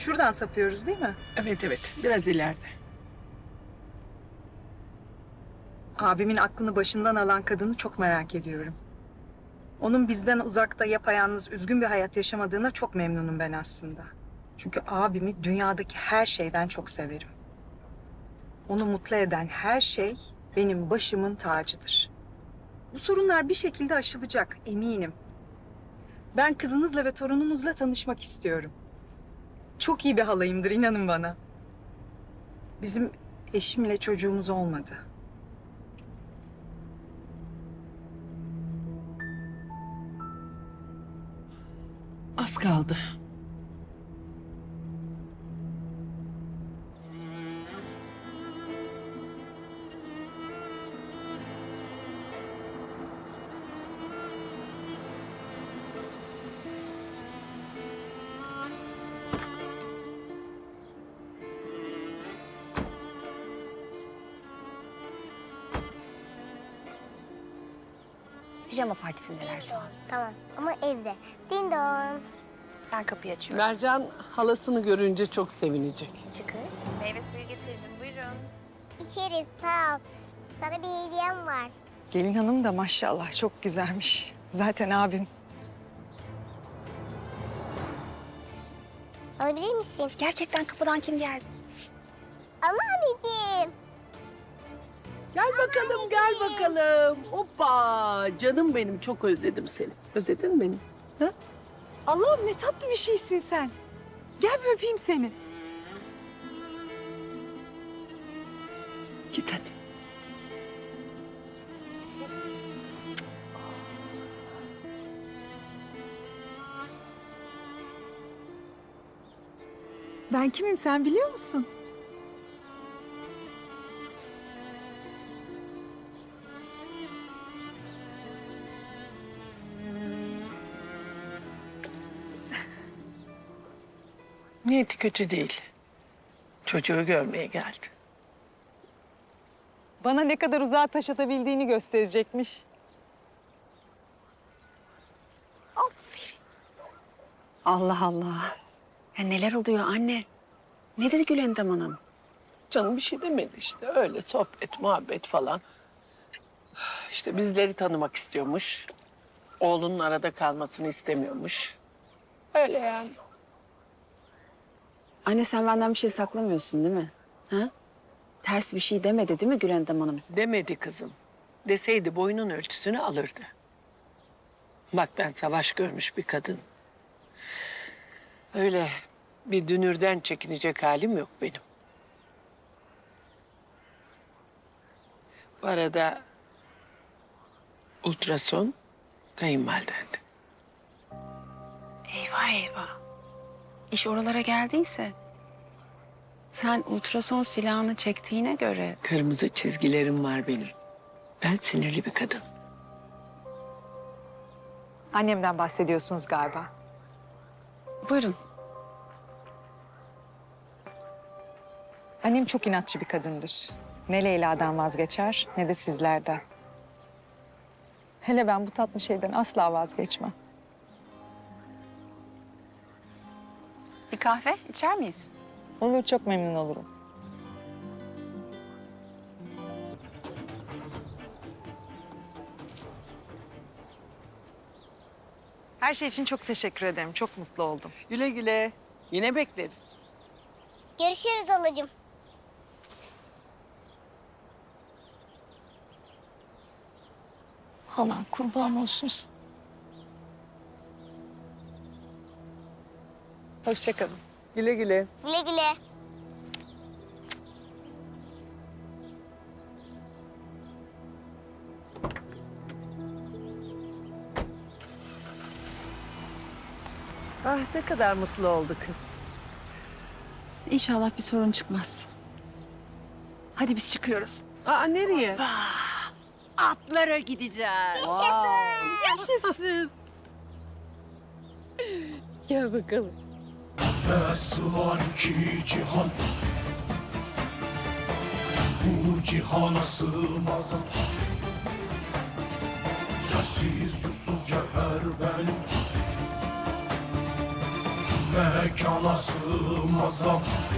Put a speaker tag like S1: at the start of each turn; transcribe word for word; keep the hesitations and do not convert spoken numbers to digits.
S1: Şuradan sapıyoruz değil mi?
S2: Evet evet, biraz ileride.
S1: Abimin aklını başından alan kadını çok merak ediyorum. Onun bizden uzakta yapayalnız üzgün bir hayat yaşamadığına çok memnunum ben aslında. Çünkü abimi dünyadaki her şeyden çok severim. Onu mutlu eden her şey benim başımın tacıdır. Bu sorunlar bir şekilde aşılacak, eminim. Ben kızınızla ve torununuzla tanışmak istiyorum. Çok iyi bir halayımdır, inanın bana. Bizim eşimle çocuğumuz olmadı.
S2: Az kaldı.
S3: Pijama partisindeler şu an.
S4: Tamam ama evde. Din don.
S3: Ben kapıyı açıyorum.
S2: Mercan halasını görünce çok sevinecek.
S3: Çıkırt.
S5: Meyve suyu getirdim, buyurun.
S4: İçerim sağ ol. Sana bir hediyem var.
S1: Gelin hanım da maşallah çok güzelmiş. Zaten abim.
S4: Alabilir misin?
S3: Gerçekten kapıdan kim geldi?
S4: Ama anneciğim.
S2: Gel bakalım, gel bakalım. Hoppa! Canım benim, çok özledim seni. Özledin mi beni? Ha?
S1: Allah'ım ne tatlı bir şeysin sen. Gel bir öpeyim seni.
S2: Git hadi.
S1: Ben kimim sen biliyor musun?
S2: Niyeti kötü değil. Çocuğu görmeye geldi.
S1: Bana ne kadar uzağa taş atabildiğini gösterecekmiş.
S3: Allah Allah. Ya neler oluyor anne? Ne dedi Gülendam Hanım?
S2: Canım bir şey demedi işte. Öyle sohbet, muhabbet falan. İşte bizleri tanımak istiyormuş. Oğlunun arada kalmasını istemiyormuş. Öyle yani.
S3: Anne sen benden bir şey saklamıyorsun değil mi? Ha? Ters bir şey demedi değil mi Gülendam Hanım?
S2: Demedi kızım. Deseydi boyunun ölçüsünü alırdı. Bak ben savaş görmüş bir kadın. Öyle bir dünürden çekinecek halim yok benim. Bu arada ultrason kayınvalidendi.
S3: Eyvah eyvah. İş oralara geldiyse... Sen ultrason silahını çektiğine göre...
S2: Kırmızı çizgilerim var benim. Ben sinirli bir kadın.
S1: Annemden bahsediyorsunuz galiba.
S3: Buyurun.
S1: Annem çok inatçı bir kadındır. Ne Leyla'dan vazgeçer ne de sizlerden. Hele ben bu tatlı şeyden asla vazgeçmem.
S3: Bir kahve içer miyiz?
S1: Olur, çok memnun olurum. Her şey için çok teşekkür ederim. Çok mutlu oldum.
S2: Güle güle. Yine bekleriz.
S4: Görüşürüz halacığım.
S1: Aman kurban olsun sana. Hoşça kalın.
S2: Güle güle.
S4: Güle güle.
S2: Ah ne kadar mutlu oldu kız.
S3: İnşallah bir sorun çıkmaz. Hadi biz çıkıyoruz.
S2: Aa nereye?
S3: Atlara gideceğiz.
S2: Yaşasın. Gel bakalım.
S6: Nasıl var ki cihan, bu cihana sığmaz. Yersiz yursuz cevher benim, mekana sığmazam